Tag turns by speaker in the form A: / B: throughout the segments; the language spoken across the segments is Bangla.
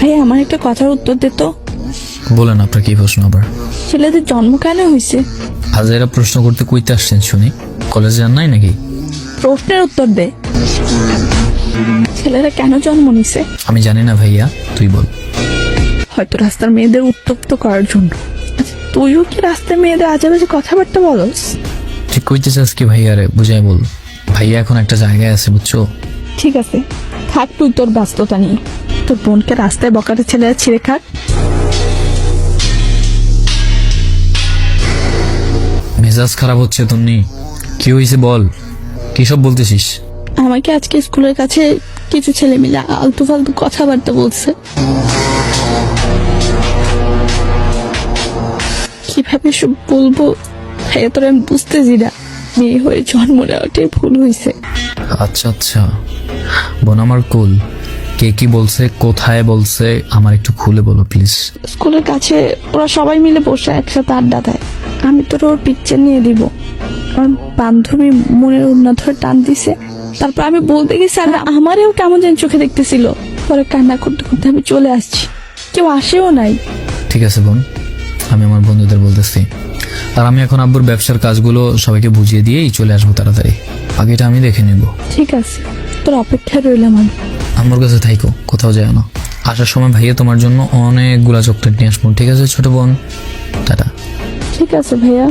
A: ভাই আমার একটা কথার উত্তর দে তো।
B: বলেন আপনার কি প্রশ্ন আবার?
A: ছেলেদের জন্ম কেন হয়েছে?
B: আজ এরা প্রশ্ন করতে কইতে আসছেন শুনি, কলেজে যান নাই নাকি?
A: প্রশ্নের উত্তর দে। ছেলেরা কেন জন্ম নিছে?
B: আমি জানি না ভাইয়া, তুই বল।
A: হয়তো রাস্তার মেয়েদের উত্তপ্ত করার জন্য। আচ্ছা, তুইও কি রাস্তার মেয়েদের আজে বাজে কথাবার্তা বলস?
B: ঠিক কইতে চাস কি ভাইয়া? রে বুঝাই বল। ভাইয়া এখন একটা জায়গায় আছে বুঝছো।
A: ঠিক আছে, থাক তুই তোর ব্যস্ততা নিয়ে। তোর বোনকে রাস্তায় বকাটে ছেলেরা ছিঁড়ে খাক।
B: মেজাজ খারাপ হচ্ছে তন্নি, কি হয়েছে বল, কি সব বলতেছিস?
A: আমাকে আজকে স্কুলের কাছে কিছু ছেলে মিলে আলতু ফালতু কথাবার্তা বলছে। কিভাবে সব বলবো ভাইয়া, তোর আমি বুঝতেছি না। মেয়ে হয়ে জন্ম নেওয়াটাই ভুল হয়েছে।
B: আচ্ছা আচ্ছা বোন আমার কুল, কে কি বলছে, কোথায় বলছে, আমার একটু খুলে বলো প্লিজ।
A: স্কুলের কাছে ওরা সবাই মিলে বসে একসাথে আড্ডা দেয়। আমি তোর ওর পিকচার নিয়ে দিব। আমার বান্ধবী মনের উন্না ধরে টান দিছে। তারপর আমি বলতে গেছি আর আমারেও কেমন যেন চোখে দেখতেছিল। পরে কান্না করতে করতে আমি চলে আসছি, কেউ আসেও নাই।
B: ঠিক আছে বোন, আমি আমার বন্ধুদের বলতেছি। আর আমি এখন আব্বুর ব্যবসার কাজগুলো সবাইকে বুঝিয়ে দিয়েই চলে আসবো তাড়াতাড়ি। বাকিটা আমি দেখে নেব।
A: ঠিক আছে, তোর অপেক্ষায় রইলাম আমি।
B: আমার কাছে থাইকো, কোথাও যায় না। আসার সময় ভাইয়া তোমার জন্য অনেকগুলা চকলেট নিয়ে আসবো, ঠিক আছে ছোট বোন? টাটা।
A: ঠিক আছে ভাইয়া।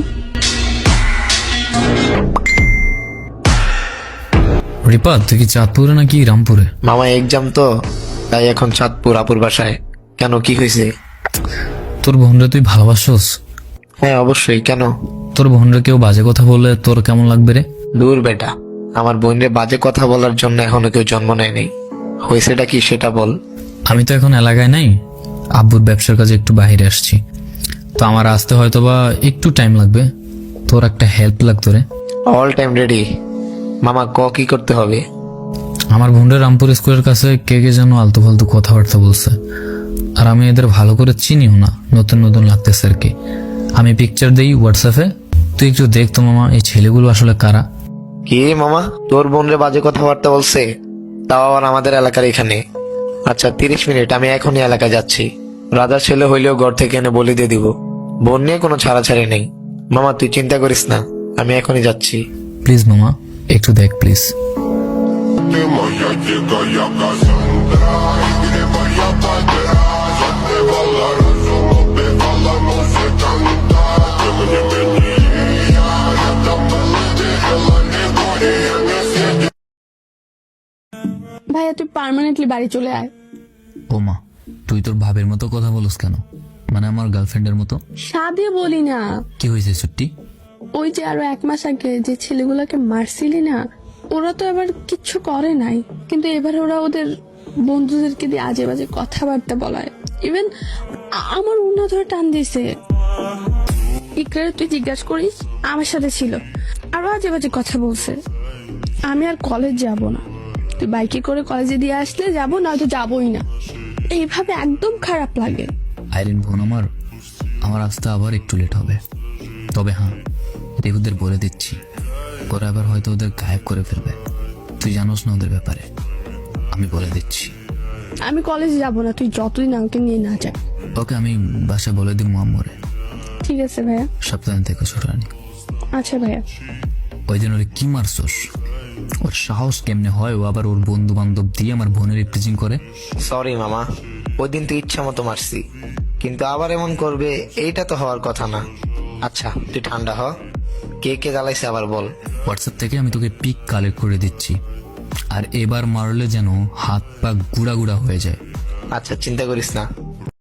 B: রিপা, তুই কি চাঁদপুরে নাকি রামপুরে?
C: মামা এক্সাম তো, তাই এখন চাঁদপুর আপুর বাসায়। কেন, কি হয়েছে?
B: তোর বোনরে তুই ভালোবাসোস?
C: হ্যাঁ অবশ্যই, কেন?
B: তোর বোনরে কেউ বাজে কথা বললে তোর কেমন লাগবে রে?
C: দূর বেটা, আমার বোনরে বাজে কথা বলার জন্য এখনো কেউ জন্ম নেয়নি। হয়েছেটা কি সেটা বল।
B: আমি তো এখন এলাকায় নাই, আব্বুর ব্যবসার কাজে একটু বাইরে আসছি, তো আমার আসতে হয়তো বা একটু টাইম লাগবে। তোর একটা হেল্প লাগতো রে।
C: অল টাইম রেডি মামা, কি করতে হবে?
B: আমার বোনরা রামপুর স্কুলের কাছে কে কে যেন আলতু ফালতু কথাবার্তা বলছে, আর আমি এদের ভালো করে চিনিও না, নতুন নতুন লাগতেছে আর কি। আমি পিকচার দেই হোয়াটসঅ্যাপে, তুই একটু দেখ তো মামা, এই ছেলেগুলো আসলে কারা।
C: কি মামা, তোর বোনরে বাজে কথাবার্তা বলছে? তাও আবার আমাদের এলাকার এখানে? আচ্ছা 30 মিনিট, আমি এখনই এলাকায় যাচ্ছি। রাজার ছেলে হইলেও ঘর থেকে এনে বলি দিয়ে দিব। বোন নিয়ে কোনো ছাড়াছাড়ি নেই। মামা তুই চিন্তা করিস না, আমি এখনই যাচ্ছি।
B: প্লিজ মামা, একটু দেখ প্লিজ।
D: Ты моя дикая Кассандра, игривая подра, затмевала разум, убивала музыканта. Тем не менее, я рядом был, видела не горе, я не сидел.
A: ভাইয়া তুই পার্মানেন্টলি বাড়ি চলে আয়।
B: ও মা, তুই তোর ভাবের মতো কথা বলস কেন? মানে আমার গার্লফ্রেন্ডের মতো?
A: সাদে বলি না।
B: কি হয়েছে ছুটি?
A: ওই যে আরো 1 মাস আগে যে ছেলেগুলোকে মারছিলি না, ওরা তো এবার কিচ্ছু করে নাই, কিন্তু এবার ওরা ওদের বন্ধুদেরকে দিয়ে আজে বাজে কথাবার্তা বলায়। ইভেন আমার উন্না ধরে টান দিছে। ইকরারে তুই জিজ্ঞাসা করিস, আমার সাথে ছিল, আরো আজে বাজে কথা বলছে। আমি আর কলেজ যাব না, তুই বাইকে করে কলেজে দিয়ে আসলে যাবো, নয়তো যাবোই না। এইভাবে একদম খারাপ লাগে।
B: আইরিন বোন আমার আসতে আবার একটু লেট হবে, তবে হ্যাঁ দেবুদের বলে দিচ্ছি, ওরা আবার হয়তো ওদের গায়েব করে ফেলবে। তুই জানোস না ওদের ব্যাপারে, আমি বলে দিচ্ছি।
A: আমি কলেজে যাব না, তুই যতদিন আমাকে নিয়ে না যা।
B: ওকে, আমি বাসায় বলে দিব আম্মুরে।
A: ঠিক আছে ভাইয়া।
B: সাবধানে থেকে ছোট রানী।
A: আচ্ছা ভাইয়া।
B: ওই দিন ওরে কি মারছস? ওর সাহস কেমনে হয় ও আবার ওর বন্ধু বান্ধব দিয়ে আমার বোনের রিপ্রেজেন্ট করে?
C: সরি মামা, ওই দিন তো ইচ্ছা মতো মারছি, কিন্তু আবার এমন করবে এইটা তো হওয়ার কথা না। আচ্ছা তুই ঠান্ডা হ, কে কে জ্বালাইছে আবার বল।
B: হোয়াটসঅ্যাপ থেকে আমি তোকে পিক কালেক্ট করে দিচ্ছি, আর এবার মারলে যেন হাত পা গুড়া গুড়া হয়ে যায়।
C: আচ্ছা চিন্তা করিস না,